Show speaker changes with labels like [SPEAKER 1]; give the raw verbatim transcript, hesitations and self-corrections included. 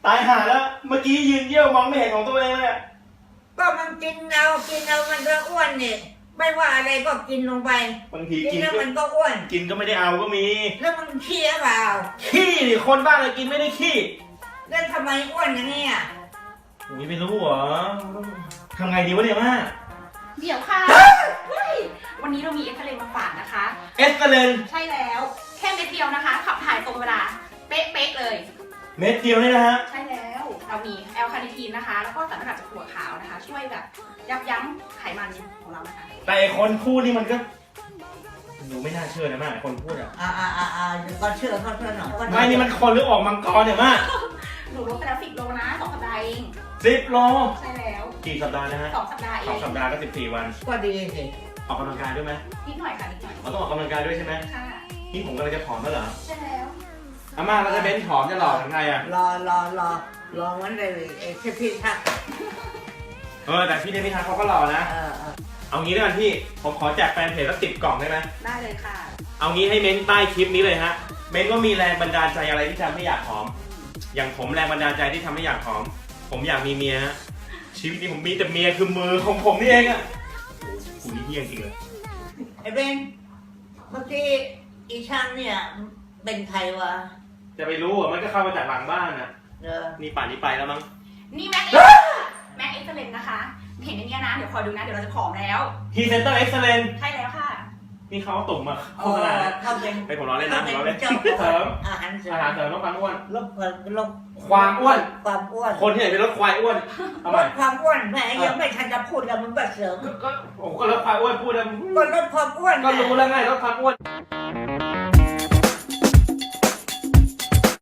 [SPEAKER 1] ตายหาแล้วเมื่อกี้ยืนเยี่ยวมองไม่เห็นของตัวเองเลย
[SPEAKER 2] ก็มันกินเอากินเอามันก็อ้วนนี่ไม่ว่าอะไรก็กินลงไป
[SPEAKER 1] บางทีกิน
[SPEAKER 2] แล้วมันก็อ้วน
[SPEAKER 1] กินก็ไม่ได้เอาก็มี
[SPEAKER 2] แล้วมันขี้หรือเปล่า
[SPEAKER 1] ขี้ดิคนบ้าเลยกินไม่ได้ขี้
[SPEAKER 2] แล้วทำไมอ้วนอย่างนี้อ่ะ
[SPEAKER 1] อุ้ยไม่รู้เหรอทำไงดีวะเนี่ยม่า
[SPEAKER 3] เดี๋ยวค่ะวันนี้เรามีเอ็กซเรย์มาฝากนะคะ
[SPEAKER 1] เอ็กซเรย์
[SPEAKER 3] ใช่แล้วแค่เม็ดเดียวนะคะขับถ่ายตรงเวลาเป๊ะๆเลย
[SPEAKER 1] เม็ดเดียวนี่นะฮะ
[SPEAKER 3] ใช่แล้วเรามีแอลคาเนทีนนะคะแล้วก็สารสกัดจากถั่วขาวนะคะช่วยแบบยับยั้งไขมันของเรานะคะ
[SPEAKER 1] แต่คนพูดนี่มันก็ดูไม่น่าเชื่อนะม่าคนพูดอ่ะ
[SPEAKER 2] อ่าอ่าอ่าอ่าก็เชื่อเขาเชื่อหน่อย
[SPEAKER 1] ไม่นี่มันคนหรือออกมังกรเนี่ยม่า
[SPEAKER 3] หนูลดไปแล้วสิบโลนะสองสัปดาห์เอง
[SPEAKER 1] สิบโล
[SPEAKER 3] ใช่แล้ว
[SPEAKER 1] กี่สัปดาห์นะฮะ
[SPEAKER 3] สองสัปดาห์เอง
[SPEAKER 1] สองสัปดาห์ก็สิบสี่วัน
[SPEAKER 2] ก็ดีสิ
[SPEAKER 1] ออกกำลังกายด้วยไหม
[SPEAKER 3] นิดหน่อยค่ะนิดหน่อย
[SPEAKER 1] เราต้องออกกำลังกายด้วยใช่ไหม
[SPEAKER 3] ค่ะ
[SPEAKER 1] นี่ผมกำลังจะผอมแล้วเหรอ
[SPEAKER 3] ใช่แล้ว
[SPEAKER 1] อาม่าเราจะเบ้นผอมจะหล่อถึงไงอ่ะ
[SPEAKER 2] รอรอรอรอวันเลยไอ้พี่พี่ทัก
[SPEAKER 1] เออแต่พี่เดมิทักเขาก็หล่อนะเอางี้ด้วยกันพี่ผมขอแจกแฟนเพจสักสิบกล่องได้ไหม
[SPEAKER 3] ได้เลยค่ะ
[SPEAKER 1] เอางี้ให้เม้นใต้คลิปนี้เลยฮะเม้นว่ามีแรงบันดาลใจอะไรที่ทำให้อยากผอมอย่างผมแรงบันดาลใจที่ทำให้อยากผอมผมอยากมีเมียฮะชีวิตนี้ผมมีแต่เมียคือมือของผมนี่เองอะกูนี่เฮี้ยจริงเลย
[SPEAKER 2] ไอ้เบนเมื่อกี้อีช่างเนี่ยเป็นใครวะ
[SPEAKER 1] จะไปรู้อ่ะมันก็เข้ามาจากหลังบ้านอ่ะ
[SPEAKER 2] เออ
[SPEAKER 1] นี่ป่านนี้ไปแล้วมั้ง
[SPEAKER 3] นี่แม็กแม็กเอ็กซ์เลนนะคะเห็นอย่างนี้นะเดี๋ยวคอยดูนะเดี๋ยวเราจะผอมแล้ว
[SPEAKER 1] พรีเซนเตอร์เอ็กซ์เลน
[SPEAKER 3] ใช่แล้วค่ะ
[SPEAKER 1] นี่เขาตุ่มมา
[SPEAKER 2] โฆษณาเขาเป็น
[SPEAKER 1] ไปผมล้อเล่นนะผมล้อเล่นเสริม
[SPEAKER 2] อาหารเสริม
[SPEAKER 1] อาหารเสริมลดความอ้วน
[SPEAKER 2] ลดลด
[SPEAKER 1] ความอ้วน
[SPEAKER 2] ความอ้วน
[SPEAKER 1] คนที่ไหนเป็นลดควายอ้วน
[SPEAKER 2] ลดความอ้วนแม่ยังไม่ทันจะพูดแล้วมันแบบเสริม
[SPEAKER 1] ก็ผมก็ลดความอ้วนพูดแล้ว
[SPEAKER 2] ก็ลดความอ้วน
[SPEAKER 1] ก็รู้แล้วไงลดความอ้วน